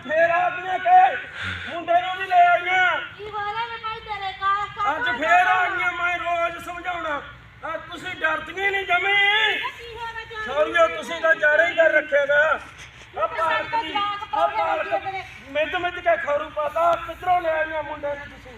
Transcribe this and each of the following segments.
ਫੇਰ ਆ ਗਈਆਂ ਕਿ ਮੁੰਡੇ ਨੂੰ ਵੀ ਲੈ ਆਈਆਂ ਕੀ ਵਾਲਾ ਮੈਂ ਭਾਈ ਤੇਰੇ ਕਾ ਅੱਜ ਫੇਰ ਆ ਗਈਆਂ ਮੈਂ ਰੋਜ਼ ਸਮਝਾਉਣਾ ਆ ਤੁਸੀਂ ਡਰਦੀਆਂ ਨਹੀਂ ਜਮੀ ਸੌਰੀਓ ਤੁਸੀਂ ਤਾਂ ਜਾੜੇ ਹੀ ਕਰ ਰੱਖੇਗਾ ਆ ਪਾਲਕ ਦੀ ਆ ਪਾਲਕ ਮਿੱਧ ਕੇ ਖਰੂ ਪਾਤਾ ਕਿੱਧਰੋਂ ਲੈ ਆਈਆਂ ਮੁੰਡੇ ਨੂੰ ਤੁਸੀਂ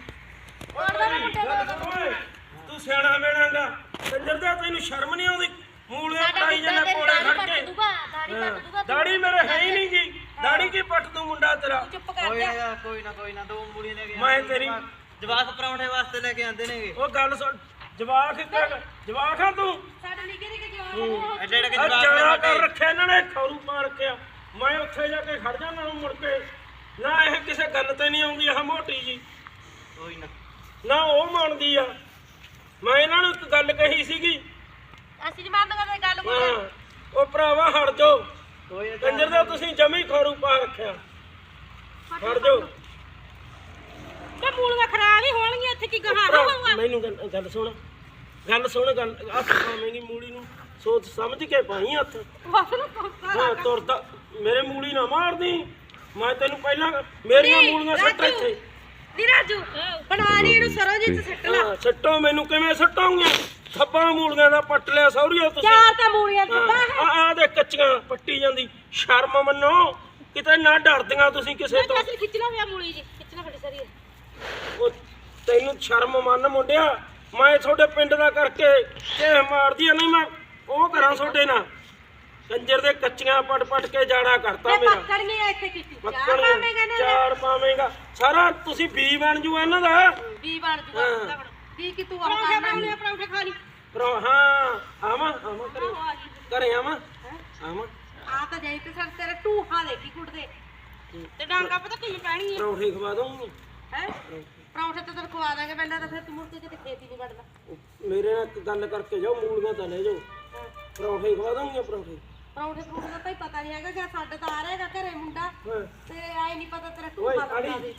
ਤੂੰ ਸਿਆਣਾ ਮੇਣਾਗਾ ਕੰਜਰ ਦਾ ਤੈਨੂੰ ਸ਼ਰਮ ਨਹੀਂ ਆਉਂਦੀ ਮੂਲੀਆਂ ਪੜਾਈ ਜਾਂਦਾ ਕੋਲੇ ਖੜ ਕੇ ਦਾੜੀ ਮੇਰੇ ਹੈ ਹੀ ਨਹੀਂ ਜੀ ਦਾੜੀ ਕੀ ਪੱਟ ਦੂੰ ਮੁੰਡਾ ਤੇਰਾ ਚੁੱਪ ਕਰ ਜਾ ਕੋਈ ਨਾ ਦੋ ਮੂਲੀਆਂ ਲੈ ਕੇ ਮੈਂ ਤੇਰੀ ਜਵਾਕ ਪਰੌਂਠੇ ਵਾਸਤੇ ਲੈ ਕੇ ਆਂਦੇ ਨੇਗੇ ਉਹ ਗੱਲ ਸੁਣ ਜਵਾਕ ਆ ਤੂੰ ਸਾਡੇ ਨਿੱਕੇ ਨਿੱਕੇ ਜਵਾਨ ਐਡੇ ਐਡੇ ਆ ਜਵਾਕ ਜਾਣਾ ਕਰ ਰੱਖਿਆ ਇਹਨਾਂ ਨੇ ਖਰੂ ਪਾ ਰੱਖਿਆ ਮੈਂ ਉੱਥੇ ਜਾ ਕੇ ਖੜ ਜਾਣਾ ਮੁੜ ਕੇ ਨਾ ਇਹ ਕਿਸੇ ਗੱਲ ਤੇ ਨਹੀਂ ਆਉਂਦੀ ਆਹ ਮੋਟੀ ਜੀ ਕੋਈ ਨਾ ਉਹ ਮੰਨਦੀ ਆ ਮੈਂ ਇਹਨਾਂ ਨੂੰ ਇੱਕ ਗੱਲ ਕਹੀ ਸੀਗੀ ਅਸੀਂ ਨੀ ਮੰਨਦੇ ਗੱਲ ਹਾਂ ਉਹ ਭਰਾਵਾ ਹਟ ਜਾਓ ਕੋਈ ਕੰਜਰ ਦਾ ਤੁਸੀਂ ਜਮੀ ਖਰੂ ਪਾ ਰੱਖਿਆ ਹਟ ਜਾਓ ਤੇ ਮੂਲੀਆਂ ਖਰਾਬ ਹੀ ਹੋਣਗੀਆਂ ਇੱਥੇ ਕੀ ਗਾਹਾਂ ਹੋਊਗਾ ਮੈਨੂੰ ਗੱਲ ਸੁਣ ਗੱਲ ਹੱਥ ਪਾਵੇਂਗੀ ਮੂਲੀ ਨੂੰ ਸੋਚ ਸਮਝ ਕੇ ਪਾਈ ਹੱਥ ਬਸ ਨੂੰ ਹਾਂ ਤੁਰਦਾ ਮੇਰੇ ਮੂਲੀ ਨਾ ਮਾਰਦੀ ਮੈਂ ਤੈਨੂੰ ਪਹਿਲਾਂ ਮੇਰੀਆਂ ਮੂਲੀਆਂ ਸੱਟ ਇੱਥੇ ਨੀ ਰਾਜੂ ਬਣਾ ਲਈ ਇਹਨੂੰ ਸਰੋਜੀਤ ਸੱਟ ਲਾ ਹਾਂ ਸੱਟੋ ਮੈਨੂੰ ਕਿਵੇਂ ਸੱਟੋਂਗੇ ਥੱਪਾਂ ਮੂਲੀਆਂ ਦਾ ਪੱਟ ਲਿਆ ਸੌਰੀਓ ਤੁਸੀਂ ਚਾਰ ਤਾਂ ਮੂਲੀਆਂ ਦਿੱਤਾ ਆ ਦੇ ਕੱਚੀਆਂ ਪੱਟੀ ਜਾਂਦੀ ਸ਼ਰਮ ਮੰਨੋ ਕਿਤੇ ਨਾ ਡਰਦੀਆਂ ਤੁਸੀਂ ਕਿਸੇ ਤੋਂ ਅਸੀਂ ਖਿੱਚ ਲਾ ਪਿਆ ਮੂਲੀ ਜੀ ਖਿੱਚਣਾ ਫੜੀ ਸਰੀ ਉਹ ਤੈਨੂੰ ਸ਼ਰਮ ਮੰਨ ਮੁੰਡਿਆ ਮੈਂ ਤੁਹਾਡੇ ਪਿੰਡ ਦਾ ਕਰਕੇ ਜੇ ਮਾਰਦੀ ਨਹੀਂ ਮੈਂ ਉਹ ਕਰਾਂ ਤੁਹਾਡੇ ਨਾਲ ਕੰਜਰ ਦੇ ਕੱਚੀਆਂ ਪਟ ਕੇ ਜਾੜਾ ਕਰਤਾ ਮੇਰਾ ਪੱਕੜੀਆਂ ਇੱਥੇ ਕੀਤੀ ਪੱਕੜੀਆਂ ਚਾਰ ਪਾਵੇਂਗਾ ਸਾਰਾ ਤੁਸੀਂ ਬੀ ਬਣ ਜੂ ਇਹਨਾਂ ਦਾ ਵੀ ਬਣ ਜੂਗਾ ਕੀ ਕਿ ਤੂੰ ਆਹ ਕਰਨਾ ਪਰੌਂਠੇ ਖਾ ਲਈ ਹਾਂ ਆਵਾਂ ਘਰੇ ਆਵਾਂ ਆ ਤਾਂ ਜਾਈ ਤੇ ਸਰ ਤੇਰੇ ਟੂਹਾ ਦੇਖੀ ਕੁੱਟਦੇ ਤੇ ਡਾਂਗਾ ਪਤਾ ਕਿਵੇਂ ਪੈਣੀ ਹੈ ਪਰੌਂਠੇ ਖਵਾ ਦਊਂਗੀ ਹੈ ਪਰੌਂਠੇ ਤਾਂ ਤੈਨੂੰ ਖਵਾ ਦਾਂਗੇ ਪਹਿਲਾਂ ਤਾਂ ਫਿਰ ਤੂੰ ਮੁੜ ਕੇ ਕਿਤੇ ਖੇਤੀ ਨਹੀਂ ਵੜਦਾ ਮੇਰੇ ਨਾਲ ਇੱਕ ਗੱਲ ਕਰਕੇ ਜਾਓ ਮੂਲੀਆਂ ਤਾਂ ਲੈ ਜਾਓ ਪਰੌਂਠੇ ਖਵਾ ਦਊਂਗੀ ਪਰੌਂਠੇ ਦਾ ਤਾਂ ਪਤਾ ਨਹੀਂ ਹੈਗਾ ਕਿ ਸਾਡੇ ਤਾਂ ਆ ਰਹੇਗਾ ਘਰੇ ਮੁੰਡਾ ਤੇ ਆਏ ਨਹੀਂ ਪਤਾ ਤੇਰਾ ਓਏ ਟੂਹਾ ਆੜੀ ਬਣਾ ਦੇ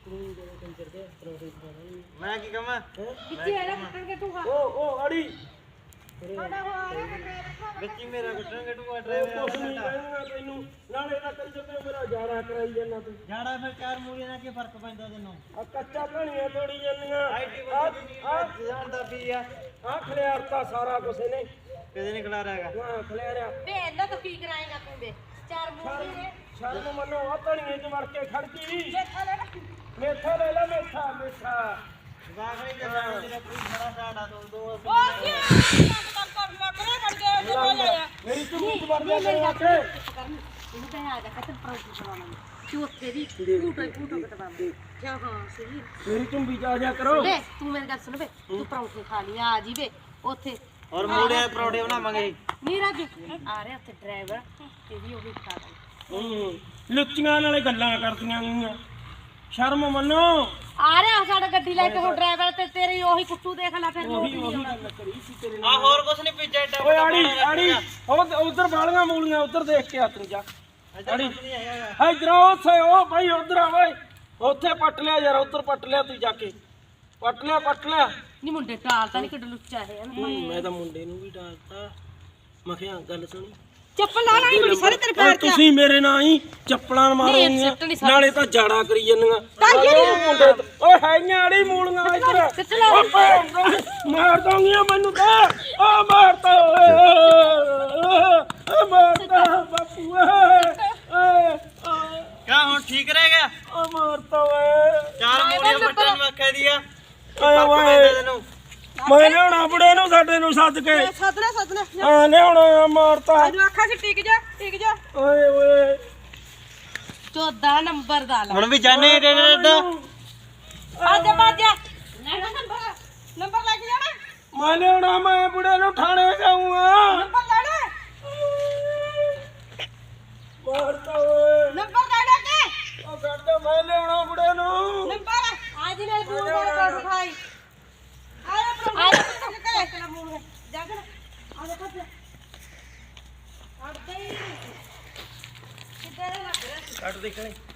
ਮੈਂ ਕੀ ਕਹਾਂ ਕਿੱਥੇ ਇਹਦਾ ਕੁੱਟਣਗੇ ਟੂਹਾ ਉਹ ਆੜੀ ਸਾਡਾ ਹੋ ਆ ਰਿਹਾ ਬੱਚੀ ਮੇਰਾ ਕੁੱਟਣਗੇ ਟੂਆ ਕੁਛ ਨਹੀਂ ਕਹਿਣਾ ਤੈਨੂੰ ਨਾਲੇ ਦਾ ਕੰਜਰ ਤੇ ਮੇਰਾ ਜਾੜਾ ਕਰਾਈ ਜਾਂਦਾ ਤੂੰ ਜਾੜਾ ਫਿਰ ਚਾਰ ਮੂਲੀਆਂ ਨਾਲ ਕੀ ਫਰਕ ਪੈਂਦਾ ਤੈਨੂੰ ਆ ਕੱਚਾ ਕਣੀਆਂ ਤੋੜੀ ਜਾਂਦੀਆਂ ਜਾਣਦਾ ਵੀ ਆ ਆ ਖਲਿਆਰਤਾ ਸਾਰਾ ਕੁਛ ਇਹਨੇ ਕਦੇ ਨਹੀਂ ਖਿਲਾ ਰਿਹਾਗਾ ਹਾਂ ਖਲਿਆਰਿਆ ਵੇ ਇਹਨਾਂ ਤੋਂ ਕੀ ਕਰਾਏਗਾ ਤੂੰ ਵੇ ਚਾਰ ਮੂਲੀ ਨੇ ਸ਼ਰਮ ਮੰਨੋ ਆ ਕਣੀਆਂ ਚ ਵੜ ਕੇ ਖੜਕੀ ਦੇਖਾ ਲੈ ਨਾ ਮੇਥਾ ਲੈ ਲੈ ਮੇਥਾ ਜਵਾਕ ਨਹੀਂ ਜਾਂਦਾ ਤੇਰਾ ਕੋਈ ਬੜਾ ਸਾਡਾ ਦੋ ਉਹ ਕੀ ਕਰ ਮਕਰੇ ਕੱਢ ਕੇ ਹੋ ਜਾਇਆ ਮੇਰੀ ਝੂਠ ਵੜ ਜਾ ਕਰੇ ਆ ਕੇ ਇਹਨੂੰ ਕਹਿ ਆ ਜਾ ਕੱਟ ਪਰੌਂਠੇ ਬਣਾਉਣਾ ਚੌਥੇ ਦੀ ਫੂਟੋ ਕਟਵਾਉਂਦੇ ਕਿਆ ਹਾਂ ਸਹੀ ਮੇਰੀ ਝੁੰਬੀ ਚ ਆ ਜਾ ਕਰੋ ਵੇ ਤੂੰ ਮੇਰੇ ਗੱਲ ਸੁਣ ਵੇ ਤੂੰ ਪਰੌਂਠੇ ਖਾ ਲਈ ਆ ਜੀ ਵੇ ਉੱਥੇ ਔਰ ਮੂਲੀਆਂ ਪਰੌਂਠੇ ਬਣਾਵਾਂਗੇ ਨੀ ਰਾਜੂ ਆ ਰਿਹਾ ਉੱਥੇ ਡਰਾਈਵਰ ਤੇ ਵੀ ਉਹ ਵੀ ਖਾ ਦਾਂਗੇ ਲੁੱਚੀਆਂ ਨਾਲੇ ਗੱਲਾਂ ਕਰਦੀਆਂ ਗਈਆਂ ਸ਼ਰਮ ਮੰਨੋ ਆ ਰਿਹਾ ਸਾਡਾ ਗੱਡੀ ਲੈ ਕੇ ਹੁਣ ਡਰਾਈਵਰ ਤੇ ਤੇਰੀ ਉਹੀ ਕੁੱਟੂ ਦੇਖ ਲੈ ਫਿਰ ਉਹੀ ਗੱਲ ਕਰੀ ਸੀ ਤੇਰੇ ਆ ਨਾਲ ਹੋਰ ਕੁਛ ਨਹੀਂ ਪੀਜਾ ਏਡਾ ਓਏ ਆੜੀ ਉਧਰ ਬਾਲੀਆਂ ਮੂਲੀਆਂ ਉਧਰ ਦੇਖ ਕੇ ਆ ਤੂੰ ਜਾ ਆੜੀ ਇਧਰ ਉੱਥੇ ਉਹ ਭਾਈ ਉਧਰ ਆ ਓਏ ਉੱਥੇ ਪੱਟ ਲਿਆ ਯਾਰ ਉਧਰ ਪੱਟ ਲਿਆ ਤੂੰ ਜਾ ਕੇ ਪੱਟ ਲਿਆ ਨੀ ਮੁੰਡੇ ਟਾਲ ਤਾਂ ਨਹੀਂ ਕਿੱਡ ਲੁੱਚਾ ਹੈ ਮੈਂ ਤਾਂ ਮੁੰਡੇ ਨੂੰ ਵੀ ਡਾਲਤਾ ਮੈਂ ਕਿਹਾ ਗੱਲ ਸੁਣੀ ਚੱਪਲ ਲਾ ਲਾਈ ਬੜੀ ਸਾਰੇ ਤੇਰੇ ਪੈਰ 'ਚ ਤੁਸੀਂ ਮੇਰੇ ਨਾਲ ਹੀ ਚੱਪਲਾਂ ਮਾਰੋਗੀਆਂ ਨਾਲੇ ਤਾਂ ਜਾੜਾ ਕਰੀ ਜਾਂਦੀਆਂ ਮੁੰਡੇ ਓਏ ਹੈਗੀਆਂ ਆੜੀ ਮੂਲੀਆਂ ਇੱਧਰ ਮਾਰ ਦੋਗੀਆਂ ਮੈਨੂੰ ਤਾਂ ਆ ਮਾਰਤਾ ਓਏ ਮਾਰਤਾ ਬਾਪੂ ਓਏ ਕਿਆ ਹੁਣ ਠੀਕ ਰਹਿ ਗਿਆ ਓ ਮਾਰਤਾ ਓਏ ਚਾਰ ਮੂਲੀਆਂ ਪੱਟਣ ਨੂੰ ਆਖਿਆ ਦੀ ਆ ਓਏ ਤੈਨੂੰ ਮੈਂ ਲਿਆਉਣਾ ਬੁੜੇ ਨੂੰ ਸਾਡੇ ਨੂੰ ਸੱਦ ਕੇ ਸੱਦਣਾ ਹਾਂ ਲਿਆਉਣਾ ਮਾਰਤਾ ਇਹਨੂੰ ਆਖਾਂ ਸੀ ਟਿਕ ਜਾ ਓਏ 14 ਨੰਬਰ ਦਾ ਲਾ ਹੁਣ ਵੀ ਜਾਣੇ ਡੇਡਾ ਆਜਾ ਬਾਜਾ ਨੰਬਰ ਲੈ ਕੇ ਜਾਣਾ ਮੈਂ ਲਿਆਉਣਾ ਮੈਂ ਬੁੜੇ ਨੂੰ ਥਾਣੇ ਜਾਊਂਗਾ ਨੰਬਰ ਲੈਣਾ ਮਾਰਤਾ ਓਏ ਨੰਬਰ ਲੈਣਾ ਕੇ ਉਹ ਕੱਢ ਮੈਂ ਲਿਆਉਣਾ ਬੁੜੇ ਨੂੰ ਨੰਬਰ ਅੱਜ ਨੇ ਦੂਰ ਦਾ ਖਾਈ ਆਇਆ ਚਲਾ ਮੂਲ ਜਾ ਕੇ ਆ ਦੇਖੋ ਅੱਡੇ ਕਿੱਧਰ ਲੱਗ ਰਿਹਾ ਕੱਢ ਦੇਖਣੇ